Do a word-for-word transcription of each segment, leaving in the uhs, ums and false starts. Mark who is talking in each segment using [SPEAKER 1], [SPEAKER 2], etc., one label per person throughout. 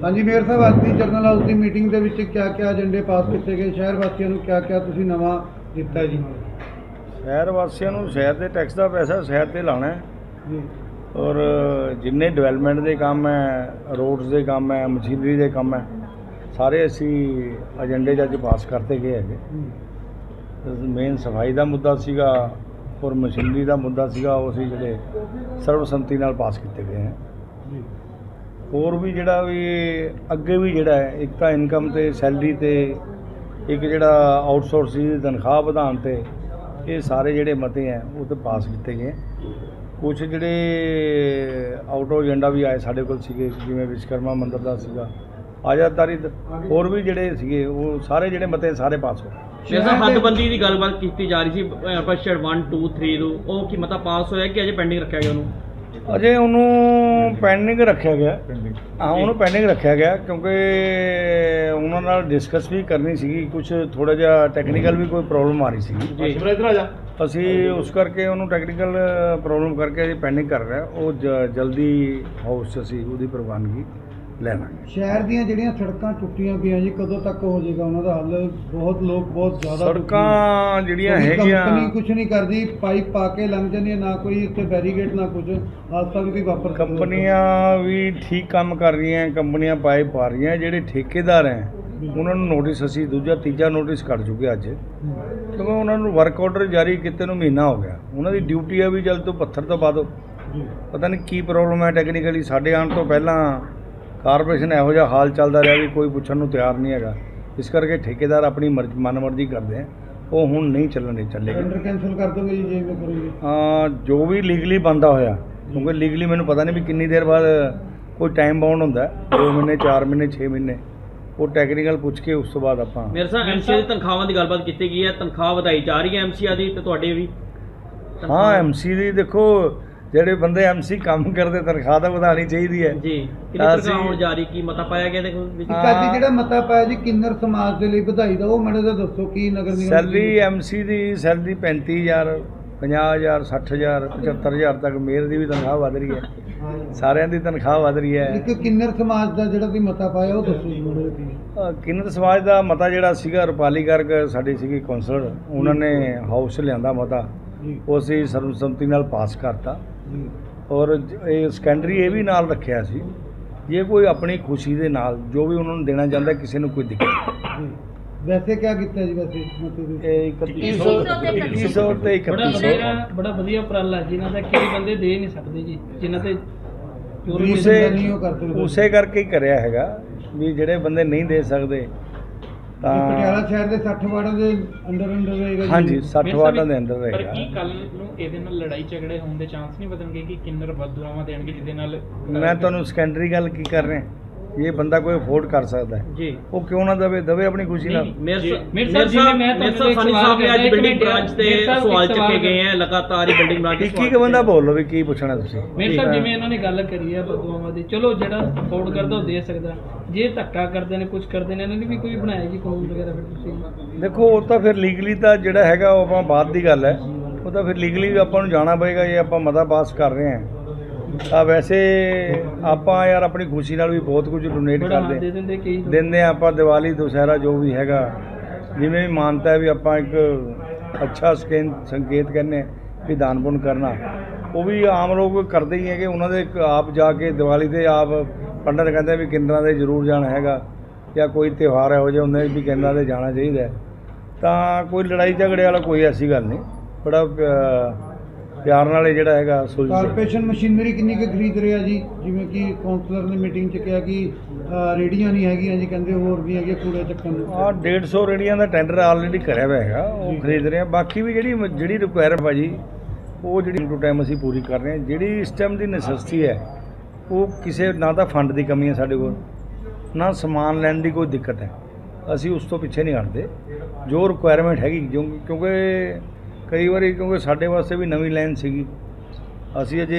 [SPEAKER 1] हाँ जी मेयर साहब, आज की जरनल हाउस की मीटिंग के विच क्या क्या एजेंडे पास किए गए, शहर वासियों को क्या क्या तुसीं नवां दिता जी?
[SPEAKER 2] शहर वासियों को शहर के टैक्स का पैसा शहर से लाना है
[SPEAKER 1] जी
[SPEAKER 2] और जिन्ने डिवेलपमेंट के काम है, रोड्स के काम है, मशीनरी के काम है, सारे असी एजेंडे अज पास करते गए है। मेन सफाई का मुद्दा सीगा और मशीनरी का मुद्दा सीगा, वो असी जिहड़े सर्वसम्मति नाल पास किए गए हैं। होर भी जिहड़ा भी अगे भी जिहड़ा है, एक तो इनकम ते सैलरी ते एक जिहड़ा आउटसोर्स की तनख्वाह वधाउण ते, ये सारे जिहड़े मते हैं वो तो पास किए गए। कुछ जिहड़े आउट ऑफ एजेंडा भी आए साडे कोल सीगे, जिवें विश्वकर्मा मंदिर दा सीगा, आज़ादारी होर भी जिहड़े सीगे वो सारे जिहड़े मते सारे पास हो।
[SPEAKER 3] जैसा हदबंदी की गलबात की जा रही थी पश्चिम वन टू थ्री टू वो की मता पास होया कि अजे पेंडिंग रखा गया उन्होंने?
[SPEAKER 2] अजे उन्होंने पेंडिंग रखा गया, हाँ उन्होंने पेंडिंग रखा गया क्योंकि उन्होंने नाल डिस्कस भी करनी सी, कुछ थोड़ा जिहा टैक्नीकल भी कोई प्रॉब्लम आ रही सी, असी उस करके उन्होंने टैक्नीकल प्रॉब्लम करके अभी पेंडिंग कर रहे हैं। वो ज, जल्दी हाउस असी उसकी प्रवानगी लेना।
[SPEAKER 1] शहर ਦੀਆਂ ਜਿਹੜੀਆਂ ਸੜਕਾਂ ਟੁੱਟੀਆਂ ਪਈਆਂ ਜੀ, ਕਦੋਂ ਤੱਕ ਹੋ ਜਾਏਗਾ ਉਹਨਾਂ ਦਾ ਹੱਲ? ਬਹੁਤ ਲੋਕ ਬਹੁਤ ਜ਼ਿਆਦਾ
[SPEAKER 2] ਸੜਕਾਂ ਜਿਹੜੀਆਂ ਹੈਗੀਆਂ
[SPEAKER 1] ਕੰਪਨੀ ਕੁਝ ਨਹੀਂ ਕਰਦੀ, ਪਾਈਪ ਪਾ ਕੇ ਲੰਘ ਜਾਂਦੀ ਹੈ, ਨਾ ਕੋਈ ਇੱਥੇ ਬੈਰੀਗੇਡ ਨਾ ਕੁਝ, ਹਾਦਸਾ ਵੀ ਕੋਈ ਵਾਪਰ ਸਕਦਾ।
[SPEAKER 2] ਕੰਪਨੀਆਂ ਵੀ ਠੀਕ ਕੰਮ ਕਰ ਰਹੀਆਂ, ਕੰਪਨੀਆਂ ਪਾਈਪ ਪਾ ਰਹੀਆਂ, ਜਿਹੜੇ ਠੇਕੇਦਾਰ ਹੈ ਉਹਨਾਂ ਨੂੰ ਨੋਟਿਸ ਅਸੀਂ ਦੂਜਾ ਤੀਜਾ ਨੋਟਿਸ ਕੱਢ ਚੁੱਕੇ ਅੱਜ, ਕਿਉਂਕਿ ਉਹਨਾਂ ਨੂੰ ਵਰਕ ਆਰਡਰ ਜਾਰੀ ਕੀਤੇ ਨੂੰ ਮਹੀਨਾ ਹੋ ਗਿਆ। ਉਹਨਾਂ ਦੀ ਡਿਊਟੀ ਹੈ ਵੀ ਜਲਦ ਤੋਂ ਪੱਥਰ ਤੋਂ ਪਾ ਦਿਓ। ਪਤਾ ਨਹੀਂ ਕੀ ਪ੍ਰੋਬਲਮ ਹੈ ਟੈਕਨੀਕਲੀ, ਸਾਡੇ ਆਉਣ ਤੋਂ ਪਹਿਲਾਂ ਕਾਰਪੋਰੇਸ਼ਨ ਇਹੋ ਜਿਹਾ ਹਾਲ ਚੱਲਦਾ ਰਿਹਾ ਵੀ ਕੋਈ ਪੁੱਛਣ ਨੂੰ ਤਿਆਰ ਨਹੀਂ ਹੈਗਾ, ਇਸ ਕਰਕੇ ਠੇਕੇਦਾਰ ਆਪਣੀ ਮਰਜ਼ੀ ਮਨਮਰਜ਼ੀ ਕਰਦੇ ਆ, ਉਹ ਹੁਣ ਨਹੀਂ ਚੱਲਣੇ ਚੱਲੇਗਾ।
[SPEAKER 1] ਟੈਂਡਰ ਕੈਂਸਲ ਕਰ ਦੋਗੇ ਜੀ ਜੇ ਮੈਂ ਕਰੂੰਗੀ?
[SPEAKER 2] ਹਾਂ, ਜੋ ਵੀ ਲੀਗਲੀ ਬੰਦਾ ਹੋਇਆ, ਕਿਉਂਕਿ ਲੀਗਲੀ ਮੈਨੂੰ ਪਤਾ ਨਹੀਂ ਵੀ ਕਿੰਨੀ ਦੇਰ ਬਾਅਦ ਕੋਈ ਟਾਈਮ ਬਾਉਂਡ ਹੁੰਦਾ, ਦੋ ਮਹੀਨੇ ਚਾਰ ਮਹੀਨੇ ਛੇ ਮਹੀਨੇ, ਉਹ ਟੈਕਨੀਕਲ ਪੁੱਛ ਕੇ ਉਸ ਤੋਂ ਬਾਅਦ ਆਪਾਂ।
[SPEAKER 3] ਮੇਰੇ ਸਾਹ ਐਮਸੀਆ ਦੀ ਤਨਖਾਹਾਂ ਦੀ ਗੱਲਬਾਤ ਕੀਤੀ ਗਈ ਹੈ, ਤਨਖਾਹ ਵਧਾਈ ਜਾ ਰਹੀ ਹੈ ਐਮਸੀਆ ਦੀ ਤੇ ਤੁਹਾਡੇ ਵੀ?
[SPEAKER 2] ਹਾਂ, ਐਮਸੀ ਦੀ ਦੇਖੋ ਜਿਹੜੇ ਬੰਦੇ ਐਮਸੀ ਕੰਮ ਕਰਦੇ ਤਨਖਾਹ ਤਾਂ ਵਧਾਉਣੀ ਚਾਹੀਦੀ ਹੈ
[SPEAKER 3] ਜੀ। ਕਿੰਨੀ ਤਨਖਾਹ ਹੋਣ ਜਾ ਰਹੀ, ਕੀ ਮਤਾ ਪਾਇਆ ਗਿਆ ਦੇਖੋ ਵਿੱਚ?
[SPEAKER 1] ਕਾਦੀ ਜਿਹੜਾ ਮਤਾ ਪਾਇਆ ਜੀ ਕਿੰਨਰ ਸਮਾਜ ਦੇ ਲਈ ਵਧਾਈ ਦਾ, ਉਹ ਮੈਨੂੰ ਤਾਂ ਦੱਸੋ ਕੀ ਨਗਰ ਨਿਗਮ
[SPEAKER 2] ਸੈਲਰੀ ਐਮਸੀ ਦੀ ਸੈਲਰੀ ਪੈਂਤੀ ਹਜ਼ਾਰ ਪੰਜਾਹ ਹਜ਼ਾਰ ਸੱਠ ਹਜ਼ਾਰ ਪਝੱਤਰ ਹਜ਼ਾਰ ਤੱਕ ਮੇਅਰ ਦੀ ਵੀ ਤਨਖਾਹ ਵਧ ਰਹੀ ਹੈ, ਸਾਰਿਆਂ ਦੀ ਤਨਖਾਹ ਵਧ ਰਹੀ ਹੈ।
[SPEAKER 1] ਇੱਕ ਕਿੰਨਰ ਸਮਾਜ ਦਾ ਜਿਹੜਾ ਤੁਸੀਂ ਮਤਾ ਪਾਇਆ ਉਹ ਦੱਸੋ ਜੀ ਮੈਨੂੰ ਕੀ?
[SPEAKER 2] ਕਿੰਨਰ ਸਮਾਜ ਦਾ ਮਤਾ ਜਿਹੜਾ ਸੀਗਾ ਰੁਪਾਲੀ ਗਰਗ ਸਾਡੀ ਸੀਗੀ ਕੌਂਸਲਰ, ਉਹਨਾਂ ਨੇ ਹਾਊਸ ਲਿਆਂਦਾ ਮਤਾ, ਉਹ ਅਸੀਂ ਸਰਬਸੰਮਤੀ ਨਾਲ ਪਾਸ ਕਰਤਾ। ਔਰ ਇਹ ਸੈਕੰਡਰੀ ਇਹ ਵੀ ਨਾਲ ਰੱਖਿਆ ਸੀ, ਜੇ ਕੋਈ ਆਪਣੀ ਖੁਸ਼ੀ ਦੇ ਨਾਲ ਜੋ ਵੀ ਉਹਨਾਂ ਨੂੰ ਦੇਣਾ ਚਾਹੁੰਦਾ, ਕਿਸੇ ਨੂੰ ਕੋਈ ਦਿੱਕਤ ਨਹੀਂ।
[SPEAKER 1] ਵੈਸੇ ਕਿਆ ਕੀਤਾ ਜੀ? ਵੈਸੇ ਮਤਲਬ
[SPEAKER 2] ਇਹ ਇਕੱਤੀ ਸੌ ਇੱਕੀ ਸੌ ਤੇ ਇਕੱਤੀ ਸੌ
[SPEAKER 4] ਬੜਾ ਵਧੀਆ ਉਪਰਾਲਾ ਜਿਨ੍ਹਾਂ ਦਾ ਕਈ ਬੰਦੇ ਦੇ ਨਹੀਂ ਸਕਦੇ ਜੀ, ਜਿਨ੍ਹਾਂ ਤੇ
[SPEAKER 2] ਉਸੇ ਉਸੇ ਕਰਕੇ ਹੀ ਕਰਿਆ ਹੈਗਾ ਵੀ ਜਿਹੜੇ ਬੰਦੇ ਨਹੀਂ ਦੇ ਸਕਦੇ ਤਾਂ
[SPEAKER 1] ਪਟਿਆਲਾ ਸ਼ਹਿਰ ਦੇ ਸੱਠ ਵਾਰਡਾਂ ਦੇ ਅੰਡਰ ਅੰਡਰ ਰਹੇਗਾ ਜੀ?
[SPEAKER 2] ਹਾਂਜੀ, ਸੱਠ ਵਾਰਡਾਂ ਦੇ ਅੰਦਰ ਰਹੇਗਾ।
[SPEAKER 4] ਪਰ ਕੀ ਕੱਲ ਨੂੰ ਇਹਦੇ ਨਾਲ ਲੜਾਈ ਝਗੜੇ ਹੋਣ ਦੇ ਚਾਂਸ ਨਹੀਂ ਵਧਣਗੇ ਕਿ ਕਿੰਨਰ ਬਦਦੁਆਵਾਂ ਦੇਣਗੇ ਜਿਹਦੇ ਨਾਲ?
[SPEAKER 2] ਮੈਂ ਤੁਹਾਨੂੰ ਸੈਕੰਡਰੀ ਗੱਲ ਕੀ ਕਰ ਰਿਹਾ, ਇਹ ਬੰਦਾ ਕੋਈ ਅਫੋਰਡ ਕਰ ਸਕਦਾ ਹੈ
[SPEAKER 3] ਜੀ,
[SPEAKER 2] ਉਹ ਕਿਉਂ ਨਾ ਦੇਵੇ ਦੇਵੇ ਆਪਣੀ ਖੁਸ਼ੀ ਨਾਲ।
[SPEAKER 3] ਮੇਰੇ
[SPEAKER 4] ਮੇਰੇ ਸਾਹਿਬ ਜਿਵੇਂ ਮੈਂ ਤੁਹਾਨੂੰ
[SPEAKER 3] ਸਾਨੀ ਸਾਹਿਬ ਨੇ ਅੱਜ ਬਿਲਡਿੰਗ ਬ੍ਰਾਂਚ ਤੇ ਸਵਾਲ ਚੱਕੇ ਗਏ ਹੈ, ਲਗਾਤਾਰ ਹੀ ਬਿਲਡਿੰਗ ਬ੍ਰਾਂਚ
[SPEAKER 2] ਕੀ ਕੀ ਬੰਦਾ ਬੋਲ ਲਓ ਵੀ ਕੀ ਪੁੱਛਣਾ ਤੁਸੀਂ?
[SPEAKER 4] ਮੇਰੇ ਸਾਹਿਬ ਜਿਵੇਂ ਇਹਨਾਂ ਨੇ ਗੱਲ ਕਰੀ ਹੈ ਬਦਦੁਆਵਾਂ ਦੀ, ਚਲੋ ਜਿਹੜਾ ਅਫੋਰਡ ਕਰਦਾ ਉਹ ਦੇ ਸਕਦਾ, ਜੇ ਧੱਕਾ ਕਰਦੇ ਨੇ ਕੁਝ ਕਰਦੇ ਨੇ ਇਹਨਾਂ ਨੇ ਵੀ ਕੋਈ ਬਣਾਇਆ ਜੀ ਕਾਨੂੰਨ ਵਗੈਰਾ? ਫਿਰ ਤੁਸੀਂ ਦੇਖੋ
[SPEAKER 2] ਉਹ ਤਾਂ ਫਿਰ ਲੀਗਲੀ ਤਾਂ ਜਿਹੜਾ ਹੈਗਾ ਉਹ ਆਪਾਂ ਬਾਅਦ ਦੀ ਗੱਲ ਹੈ, ਉਹ ਤਾਂ ਫਿਰ ਲੀਗਲੀ ਆਪਾਂ ਨੂੰ ਜਾਣਾ ਪਏਗਾ। ਜੇ ਆਪਾਂ ਮਤਾ ਪਾਸ ਕਰ ਰਹੇ ਹਾਂ ਤਾਂ ਵੈਸੇ ਆਪਾਂ ਯਾਰ ਆਪਣੀ ਖੁਸ਼ੀ ਨਾਲ ਵੀ ਬਹੁਤ ਕੁਝ ਡੋਨੇਟ ਕਰਦੇ ਦਿੰਦੇ ਹਾਂ ਆਪਾਂ, ਦੀਵਾਲੀ ਦੁਸਹਿਰਾ ਜੋ ਵੀ ਹੈਗਾ, ਜਿਵੇਂ ਵੀ ਮਾਨਤਾ ਹੈ ਵੀ ਆਪਾਂ ਇੱਕ ਅੱਛਾ ਸਕੇਨ ਸੰਕੇਤ ਕਹਿੰਦੇ ਵੀ ਦਾਨ ਪੁੰਨ ਕਰਨਾ, ਉਹ ਵੀ ਆਮ ਲੋਕ ਕਰਦੇ ਹੀ ਹੈਗੇ। ਉਹਨਾਂ ਦੇ ਆਪ ਜਾ ਕੇ ਦੀਵਾਲੀ 'ਤੇ ਆਪ ਪੰਡਤ ਕਹਿੰਦੇ ਵੀ ਕਿੰਨਰਾਂ ਦੇ ਜ਼ਰੂਰ ਜਾਣਾ ਹੈਗਾ, ਜਾਂ ਕੋਈ ਤਿਉਹਾਰ ਇਹੋ ਜਿਹੇ ਹੁੰਦੇ ਵੀ ਕਿੰਨਰਾਂ 'ਤੇ ਜਾਣਾ ਚਾਹੀਦਾ। ਤਾਂ ਕੋਈ ਲੜਾਈ ਝਗੜੇ ਵਾਲਾ ਕੋਈ ਐਸੀ ਗੱਲ ਨਹੀਂ, ਬੜਾ ਪਿਆਰ ਨਾਲ ਇਹ ਜਿਹੜਾ ਹੈਗਾ ਸੁਲਝ।
[SPEAKER 1] ਕਾਰਪੋਰੇਸ਼ਨ ਮਸ਼ੀਨਰੀ ਕਿੰਨੀ ਕੁ ਖਰੀਦ ਰਿਹਾ ਜੀ? ਜਿਵੇਂ ਕਿ ਕਾਉਂਸਲਰ ਨੇ ਮੀਟਿੰਗ 'ਚ ਕਿਹਾ ਕਿ ਰੇਹੜੀਆਂ ਨਹੀਂ ਹੈਗੀਆਂ ਜੀ, ਕਹਿੰਦੇ ਹੋਰ ਵੀ ਹੈਗੇ ਕੂੜੇ ਚੱਕਣ ਨੂੰ।
[SPEAKER 2] ਹਾਂ, ਡੇਢ ਸੌ ਰੇਹੜੀਆਂ ਦਾ ਟੈਂਡਰ ਆਲਰੇਡੀ ਕਰਿਆ ਹੋਇਆ ਹੈਗਾ, ਉਹ ਖਰੀਦ ਰਹੇ ਆ। ਬਾਕੀ ਵੀ ਜਿਹੜੀ ਜਿਹੜੀ ਰਿਕੁਆਇਰ ਭਾਜੀ ਉਹ ਜਿਹੜੀ ਟੂ ਟਾਈਮ ਅਸੀਂ ਪੂਰੀ ਕਰ ਰਹੇ ਹਾਂ। ਜਿਹੜੀ ਇਸ ਟਾਈਮ ਦੀ ਨੈਸੈਸਿਟੀ ਹੈ ਉਹ ਕਿਸੇ ਨਾ ਤਾਂ ਫੰਡ ਦੀ ਕਮੀ ਹੈ ਸਾਡੇ ਕੋਲ, ਨਾ ਸਮਾਨ ਲੈਣ ਦੀ ਕੋਈ ਦਿੱਕਤ ਹੈ, ਅਸੀਂ ਉਸ ਤੋਂ ਪਿੱਛੇ ਨਹੀਂ ਹਟਦੇ। ਜੋ ਰਿਕੁਆਇਰਮੈਂਟ ਹੈਗੀ ਕਿਉਂਕਿ ਕਈ ਵਾਰੀ ਕਿਉਂਕਿ ਸਾਡੇ ਵਾਸਤੇ ਵੀ ਨਵੀਂ ਲਾਈਨ ਸੀਗੀ, ਅਸੀਂ ਅਜੇ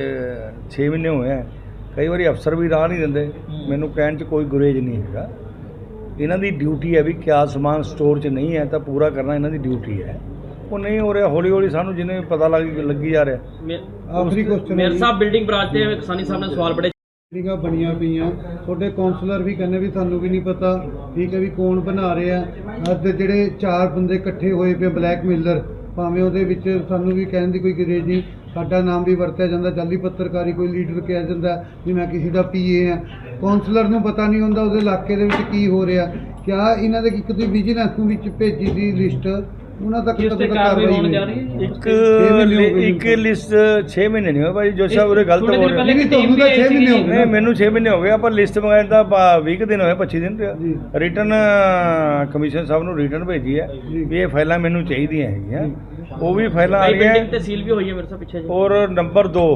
[SPEAKER 2] ਛੇ ਮਹੀਨੇ ਹੋਏ ਆ, ਕਈ ਵਾਰੀ ਅਫਸਰ ਵੀ ਰਾਹ ਨਹੀਂ ਦਿੰਦੇ, ਮੈਨੂੰ ਕਹਿਣ 'ਚ ਕੋਈ ਗੁਰੇਜ ਨਹੀਂ ਹੈਗਾ। ਇਹਨਾਂ ਦੀ ਡਿਊਟੀ ਹੈ ਵੀ ਕਿਆ ਸਮਾਨ ਸਟੋਰ 'ਚ ਨਹੀਂ ਹੈ ਤਾਂ ਪੂਰਾ ਕਰਨਾ ਇਹਨਾਂ ਦੀ ਡਿਊਟੀ ਹੈ। ਉਹ ਨਹੀਂ ਹੋ ਰਿਹਾ, ਹੌਲੀ ਹੌਲੀ ਸਾਨੂੰ ਜਿਵੇਂ ਪਤਾ ਲੱਗ ਲੱਗੀ ਜਾ ਰਿਹਾ।
[SPEAKER 1] ਆਖਰੀ ਕੁਐਸਚਨ
[SPEAKER 3] ਮੇਰੇ ਸਾਹਿਬ ਬਿਲਡਿੰਗ ਬ੍ਰਾਂਚ ਤੇ ਕਿਸਾਨੀ ਸਾਹਿਬ ਨੇ ਸਵਾਲ ਬੜੇ
[SPEAKER 1] ਮੀਟਿੰਗਾਂ ਬਣੀਆਂ ਪਈਆਂ, ਤੁਹਾਡੇ ਕਾਉਂਸਲਰ ਵੀ ਕਹਿੰਦੇ ਵੀ ਸਾਨੂੰ ਵੀ ਨਹੀਂ ਪਤਾ, ਠੀਕ ਹੈ, ਵੀ ਕੌਣ ਬਣਾ ਰਿਹਾ। ਅੱਜ ਜਿਹੜੇ ਚਾਰ ਬੰਦੇ ਇਕੱਠੇ ਹੋਏ ਪਏ ਬਲੈਕਮੇਲਰ, ਭਾਵੇਂ ਉਹਦੇ ਵਿੱਚ ਸਾਨੂੰ ਵੀ ਕਹਿਣ ਦੀ ਕੋਈ ਗਰੇਜ ਨਹੀਂ, ਸਾਡਾ ਨਾਮ ਵੀ ਵਰਤਿਆ ਜਾਂਦਾ, ਜਾਲੀ ਪੱਤਰਕਾਰੀ, ਕੋਈ ਲੀਡਰ ਕਿਹਾ ਜਾਂਦਾ ਵੀ ਮੈਂ ਕਿਸੇ ਦਾ ਪੀਏ ਹਾਂ। ਕਾਉਂਸਲਰ ਨੂੰ ਪਤਾ ਨਹੀਂ ਹੁੰਦਾ ਉਹਦੇ ਇਲਾਕੇ ਦੇ ਵਿੱਚ ਕੀ ਹੋ ਰਿਹਾ। ਕਿਆ ਇਹਨਾਂ ਦੇ ਇੱਕ ਤੁਸੀਂ ਵਿਜੀਲੈਂਸ ਨੂੰ ਵਿੱਚ ਭੇਜੀ ਦੀ ਲਿਸਟ, ਉਹਨਾਂ ਤੱਕ
[SPEAKER 4] ਜਿਸ ਤੇ
[SPEAKER 1] ਕਦੋਂ ਤੱਕ
[SPEAKER 4] ਕਾਰਵਾਈ
[SPEAKER 1] ਕਾਰਵਾਈ
[SPEAKER 4] ਹੋਣ ਜਾ
[SPEAKER 1] ਹੋਈ?
[SPEAKER 4] ਰਹੀ ਹੈ ਜੀ?
[SPEAKER 2] ਇੱਕ
[SPEAKER 1] ਛੇ ਮਹੀਨੇ ਹੋ ਗਏ
[SPEAKER 2] ਇੱਕ ਲਿਸਟ ਛੇ ਮਹੀਨੇ ਨਹੀਂ ਹੋਏ ਭਾਈ, ਜੋ ਸਾਹਿਬ ਉਰੇ ਗਲਤ
[SPEAKER 4] ਥੋੜੇ
[SPEAKER 2] ਬੋਲ
[SPEAKER 4] ਦਿਨ
[SPEAKER 2] ਰਹੇ
[SPEAKER 4] ਪਹਿਲੇ
[SPEAKER 1] ਨਹੀਂ,
[SPEAKER 4] ਇੱਕ ਟੀਮ
[SPEAKER 1] ਤੁਹਾਨੂੰ
[SPEAKER 4] ਵੀ
[SPEAKER 1] ਤਾਂ
[SPEAKER 4] ਆਈ
[SPEAKER 1] ਛੇ ਮਹੀਨੇ ਹੋ
[SPEAKER 4] ਸੀਗੀ।
[SPEAKER 1] ਗਏ।
[SPEAKER 2] ਨਹੀਂ, ਮੈਨੂੰ ਛੇ ਮਹੀਨੇ ਹੋ ਗਏ, ਆਪਾਂ ਲਿਸਟ ਮੰਗਾਈ ਤਾਂ ਵੀਹ ਕੁ ਦਿਨ ਹੋਏ, ਪੱਚੀ ਦਿਨ
[SPEAKER 1] ਜੀ।
[SPEAKER 2] ਰਿਟਰਨ ਕਮਿਸ਼ਨ ਸਾਹਿਬ ਨੂੰ ਰਿਟਰਨ ਭੇਜੀ ਹੈ
[SPEAKER 1] ਜੀ।
[SPEAKER 2] ਵੀ ਇਹ ਫਾਈਲਾਂ ਮੈਨੂੰ ਚਾਹੀਦੀਆਂ ਹੈਗੀਆਂ, ਉਹ ਵੀ ਫਾਈਲਾਂ ਆ
[SPEAKER 3] ਭਾਈ
[SPEAKER 2] ਰਹੀਆਂ।
[SPEAKER 3] ਬਿਲਡਿੰਗ ਤੇ ਸੀਲ ਵੀ ਹੋਈ ਹੈ ਮੇਰੇ ਸਾਹ ਪਿੱਛੇ ਜੀ।
[SPEAKER 2] ਔਰ ਨੰਬਰ ਦੋ,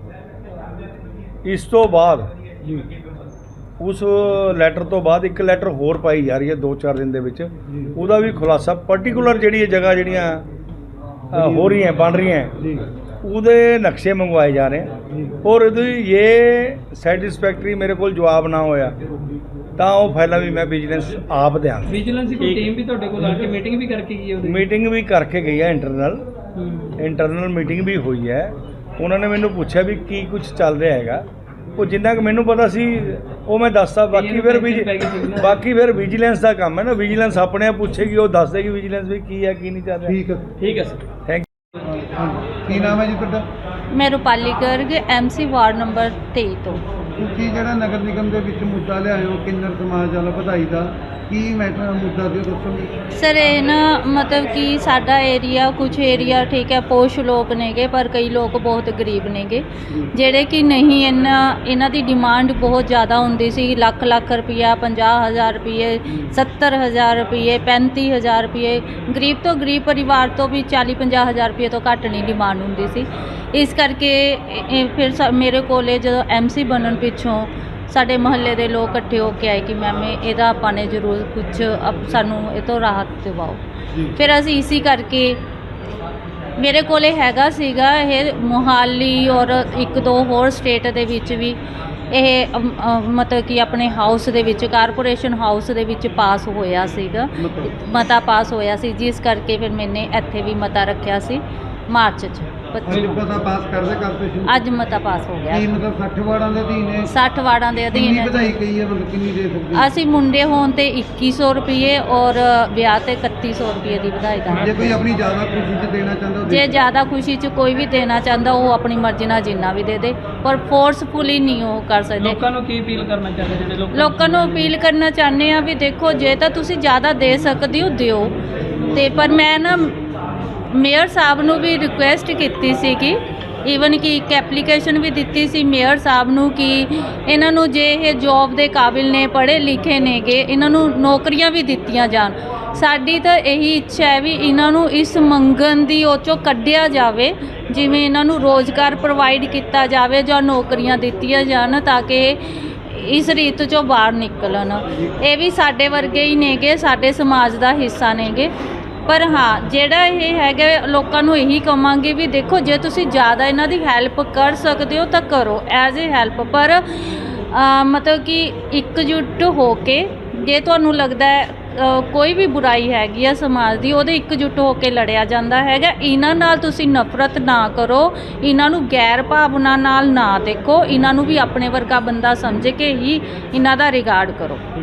[SPEAKER 2] ਇਸ ਤੋਂ ਬਾਅਦ
[SPEAKER 1] ਜੀ
[SPEAKER 2] ਉਸ ਲੈਟਰ ਤੋਂ ਬਾਅਦ ਇੱਕ ਲੈਟਰ ਹੋਰ ਪਾਈ ਜਾ ਰਹੀ ਹੈ ਦੋ ਚਾਰ ਦਿਨ ਦੇ ਵਿੱਚ, ਉਹਦਾ ਵੀ ਖੁਲਾਸਾ ਪਾਰਟਿਕੂਲਰ ਜਿਹੜੀ ਇਹ ਜਗ੍ਹਾ ਜਿਹੜੀਆਂ ਅ, ਹੋ ਰਹੀਆਂ ਬਣ ਰਹੀਆਂ
[SPEAKER 1] ਜੀ
[SPEAKER 2] ਉਹਦੇ ਨਕਸ਼ੇ ਮੰਗਵਾਏ ਜਾ ਰਹੇ ਹਨ। ਔਰ ਇਹਦੀ ਇਹ ਸੈਟੀਸਫੈਕਟਰੀ ਮੇਰੇ ਕੋਲ ਜਵਾਬ ਨਾ ਹੋਇਆ ਤਾਂ ਉਹ ਫਾਈਲਾਂ ਵੀ ਮੈਂ ਵਿਜੀਲੈਂਸ ਆਪ ਦਿਆਂਗਾ।
[SPEAKER 4] ਵਿਜੀਲੈਂਸ ਦੀ ਕੋਈ ਟੀਮ ਵੀ ਤੁਹਾਡੇ ਕੋਲ ਆ ਕੇ ਮੀਟਿੰਗ ਵੀ ਕਰਕੇ ਗਈ ਹੈ ਉਹਦੇ?
[SPEAKER 2] ਮੀਟਿੰਗ ਵੀ ਕਰਕੇ ਗਈ ਹੈ, ਇੰਟਰਨਲ
[SPEAKER 4] ਹੂੰ।
[SPEAKER 2] ਇੰਟਰਨਲ ਮੀਟਿੰਗ ਵੀ ਹੋਈ ਹੈ। ਉਹਨਾਂ ਨੇ ਮੈਨੂੰ ਪੁੱਛਿਆ ਵੀ ਕੀ ਕੁਝ ਚੱਲ ਰਿਹਾ ਹੈਗਾ, ਉਹ ਜਿੰਨਾ ਕੁ ਮੈਨੂੰ ਪਤਾ ਸੀ ਉਹ ਮੈਂ ਦੱਸਤਾ। ਬਾਕੀ ਫਿਰ ਵੀ ਬਾਕੀ ਫਿਰ ਵਿਜੀਲੈਂਸ ਦਾ ਕੰਮ ਹੈ ਨਾ, ਵਿਜੀਲੈਂਸ ਆਪਣੇ ਆਪ ਪੁੱਛੇਗੀ, ਉਹ ਦੱਸ ਦੇਗੀ ਵਿਜੀਲੈਂਸ ਵੀ ਕੀ ਹੈ ਕੀ ਨਹੀਂ ਚੱਲ ਰਿਹਾ।
[SPEAKER 1] ਠੀਕ ਹੈ।
[SPEAKER 3] ਠੀਕ ਹੈ ਸਰ।
[SPEAKER 2] ਥੈਂਕ
[SPEAKER 1] ਹਾਂਜੀ। ਕੀ ਨਾਮ ਹੈ ਜੀ ਤੁਹਾਡਾ?
[SPEAKER 5] ਮੈਂ Rupali Garg, MC ward number ਤੇਈ ਤੋਂ।
[SPEAKER 1] ਤੁਸੀਂ ਜਿਹੜਾ ਨਗਰ ਨਿਗਮ ਦੇ ਵਿੱਚ ਮੁੱਦਾ ਲਿਆਏ ਹੋ ਕਿੰਨਰ ਸਮਾਜ ਵਾਲਾ ਵਧਾਈ ਦਾ, ਕੀ ਮੈਟਰ ਮੁੱਦਾ ਦਿਓ ਦੱਸੋਗੇ?
[SPEAKER 5] ਸਰ ਇਹ ਨਾ ਮਤਲਬ ਕਿ ਸਾਡਾ ਏਰੀਆ ਕੁਝ ਏਰੀਆ ਠੀਕ ਹੈ ਪੋਸ਼ ਲੋਕ ਨੇਗੇ, ਪਰ ਕਈ ਲੋਕ ਬਹੁਤ ਗਰੀਬ ਨੇਗੇ ਜਿਹੜੇ ਕਿ ਨਹੀਂ, ਇਹਨਾਂ ਇਹਨਾਂ ਦੀ ਡਿਮਾਂਡ ਬਹੁਤ ਜ਼ਿਆਦਾ ਹੁੰਦੀ ਸੀ, ਲੱਖ ਲੱਖ ਰੁਪਈਆ, ਪੰਜਾਹ ਹਜ਼ਾਰ ਰੁਪਈਏ, ਸੱਤਰ ਹਜ਼ਾਰ ਰੁਪਈਏ, ਪੈਂਤੀ ਹਜ਼ਾਰ ਰੁਪਈਏ, ਗਰੀਬ ਤੋਂ ਗਰੀਬ ਪਰਿਵਾਰ ਤੋਂ ਵੀ ਚਾਲੀ ਪੰਜਾਹ ਹਜ਼ਾਰ ਰੁਪਈਏ ਤੋਂ ਘੱਟ ਨਹੀਂ ਡਿਮਾਂਡ ਹੁੰਦੀ ਸੀ। ਇਸ ਕਰਕੇ ਇਹ- ਇਹ ਫਿਰ ਸ- ਮੇਰੇ ਕੋਲੇ ਜਦੋਂ ਐਮਸੀ ਬਣਨ ਪਿੱਛੋਂ ਸਾਡੇ ਮੁਹੱਲੇ ਦੇ ਲੋਕ ਇਕੱਠੇ ਹੋ ਕੇ ਆਏ ਕਿ ਮੈਮ ਇਹਦਾ ਆਪਾਂ ਨੇ ਜ਼ਰੂਰ ਕੁਝ ਅਪ- ਸਾਨੂੰ ਇਹ ਤੋਂ ਰਾਹਤ ਦਿਵਾਓ। ਫਿਰ ਅਸੀਂ ਇਸੀ ਕਰਕੇ ਮੇਰੇ ਕੋਲੇ ਹੈਗਾ ਸੀਗਾ ਇਹ ਮੋਹਾਲੀ ਔਰ ਇੱਕ ਦੋ ਹੋਰ ਸਟੇਟ ਦੇ ਵਿੱਚ ਵੀ ਇਹ ਅਮ, ਅ, ਮਤਲਬ ਕਿ ਆਪਣੇ ਹਾਊਸ ਦੇ ਵਿੱਚ, ਕਾਰਪੋਰੇਸ਼ਨ ਹਾਊਸ ਦੇ ਵਿੱਚ ਪਾਸ ਹੋਇਆ ਸੀਗਾ, ਮਤਾ ਪਾਸ ਹੋਇਆ ਸੀ, ਜਿਸ ਕਰਕੇ ਫਿਰ ਮੈਨੇ ਇੱਥੇ ਵੀ ਮਤਾ ਰੱਖਿਆ ਸੀ ਮਾਰਚ 'ਚ ਪੱਚੀ
[SPEAKER 1] ਅੱਜ ਪਤਾ ਪਾਸ ਕਰਦੇ ਕਾਰਪੋਰੇਸ਼ਨ
[SPEAKER 5] ਅੱਜ ਮਤਾ ਪਾਸ ਹੋ ਗਿਆ।
[SPEAKER 1] ਕੀ ਮਤਲਬ ਸੱਠ ਵਾਰਡਾਂ ਦੇ ਅਧੀਨ ਹੈ?
[SPEAKER 5] ਸੱਠ ਵਾਰਡਾਂ ਦੇ ਅਧੀਨ
[SPEAKER 1] ਕਿੰਨੀ
[SPEAKER 5] ਹੈ।
[SPEAKER 1] ਵਧਾਈ ਕਹੀ ਹੈ, ਮਤਲਬ ਕਿੰਨੀ ਦੇ ਸਕਦੇ ਹੋ?
[SPEAKER 5] ਅਸੀਂ ਮੁੰਡੇ ਹੋਣ ਤੇ ਇੱਕੀ ਸੌ ਰੁਪਏ ਔਰ ਵਿਆਹ ਤੇ ਇਕੱਤੀ ਸੌ ਰੁਪਏ ਦੀ ਵਧਾਈ
[SPEAKER 1] ਜੇ
[SPEAKER 5] ਦਾਂਗੇ।
[SPEAKER 1] ਕੋਈ ਆਪਣੀ ਜ਼ਿਆਦਾ ਖੁਸ਼ੀ 'ਚ ਦੇਣਾ ਚਾਹੁੰਦਾ ਉਹ
[SPEAKER 5] ਜੇ
[SPEAKER 1] ਦੇ
[SPEAKER 5] ਜ਼ਿਆਦਾ ਖੁਸ਼ੀ 'ਚ ਕੋਈ ਵੀ ਦੇਣਾ ਚਾਹੁੰਦਾ ਉਹ ਆਪਣੀ ਮਰਜ਼ੀ ਨਾਲ ਜਿੰਨਾ ਵੀ ਦੇ ਦੇ, ਪਰ ਫੋਰਸਫੁਲੀ ਨਹੀਂ ਉਹ ਕਰ ਸਕਦੇ।
[SPEAKER 4] ਲੋਕਾਂ ਨੂੰ ਕੀ ਅਪੀਲ ਕਰਨਾ ਚਾਹੁੰਦੇ ਜਿਹੜੇ ਲੋਕ
[SPEAKER 5] ਲੋਕਾਂ ਨੂੰ ਅਪੀਲ ਕਰਨਾ ਚਾਹੁੰਦੇ ਆ ਵੀ ਦੇਖੋ ਜੇ ਤਾਂ ਤੁਸੀਂ ਜ਼ਿਆਦਾ ਦੇ ਸਕਦੇ ਹੋ ਦਿਓ, ਤੇ ਪਰ ਮੈਂ ਨਾ ਮੇਅਰ ਸਾਹਿਬ ਨੂੰ ਵੀ ਰਿਕੁਐਸਟ ਕੀਤੀ ਸੀ ਕਿ ਈਵਨ ਕਿ ਇੱਕ ਐਪਲੀਕੇਸ਼ਨ ਵੀ ਦਿੱਤੀ ਸੀ ਮੇਅਰ ਸਾਹਿਬ ਨੂੰ ਕਿ ਇਹਨਾਂ ਨੂੰ ਜੇ ਇਹ ਜੌਬ ਦੇ ਕਾਬਿਲ ਨੇ, ਪੜ੍ਹੇ ਲਿਖੇ ਨੇਗੇ, ਇਹਨਾਂ ਨੂੰ ਨੌਕਰੀਆਂ ਵੀ ਦਿੱਤੀਆਂ ਜਾਣ। ਸਾਡੀ ਤਾਂ ਇਹੀ ਇੱਛਾ ਹੈ ਵੀ ਇਹਨਾਂ ਨੂੰ ਇਸ ਮੰਗਣ ਦੀ ਉਹ 'ਚੋਂ ਕੱਢਿਆ ਜਾਵੇ, ਜਿਵੇਂ ਇਹਨਾਂ ਨੂੰ ਰੋਜ਼ਗਾਰ ਪ੍ਰੋਵਾਈਡ ਕੀਤਾ ਜਾਵੇ ਜਾਂ ਨੌਕਰੀਆਂ ਦਿੱਤੀਆਂ ਜਾਣ ਤਾਂ ਕਿ ਇਸ ਰੀਤ 'ਚੋਂ ਬਾਹਰ ਨਿਕਲਣ। ਇਹ ਵੀ ਸਾਡੇ ਵਰਗੇ ਹੀ ਨੇਗੇ, ਸਾਡੇ ਸਮਾਜ ਦਾ ਹਿੱਸਾ ਨੇਗੇ। ਪਰ ਹਾਂ ਜਿਹੜਾ ਇਹ ਹੈਗਾ ਲੋਕਾਂ ਨੂੰ ਇਹੀ ਕਹਾਂਗੇ ਵੀ ਦੇਖੋ ਜੇ ਤੁਸੀਂ ਜ਼ਿਆਦਾ ਇਹਨਾਂ ਦੀ ਹੈਲਪ ਕਰ ਸਕਦੇ ਹੋ ਤਾਂ ਕਰੋ ਐਜ਼ ਏ ਹੈਲਪ, ਪਰ ਅ, ਮਤਲਬ ਕਿ ਇਕਜੁੱਟ ਹੋ ਕੇ ਜੇ ਤੁਹਾਨੂੰ ਲੱਗਦਾ ਹੈ ਅ, ਕੋਈ ਵੀ ਬੁਰਾਈ ਹੈਗੀ ਆ ਸਮਾਜ ਦੀ ਉਹਦੇ ਇਕਜੁੱਟ ਹੋ ਕੇ ਲੜਿਆ ਜਾਂਦਾ ਹੈਗਾ। ਇਹਨਾਂ ਨਾਲ ਤੁਸੀਂ ਨਫ਼ਰਤ ਨਾ ਕਰੋ, ਇਹਨਾਂ ਨੂੰ ਗੈਰ ਭਾਵਨਾ ਨਾਲ ਨਾ ਦੇਖੋ, ਇਹਨਾਂ ਨੂੰ ਵੀ ਆਪਣੇ ਵਰਗਾ ਬੰਦਾ ਸਮਝ ਕੇ ਹੀ ਇਹਨਾਂ ਦਾ ਰਿਗਾਰਡ ਕਰੋ।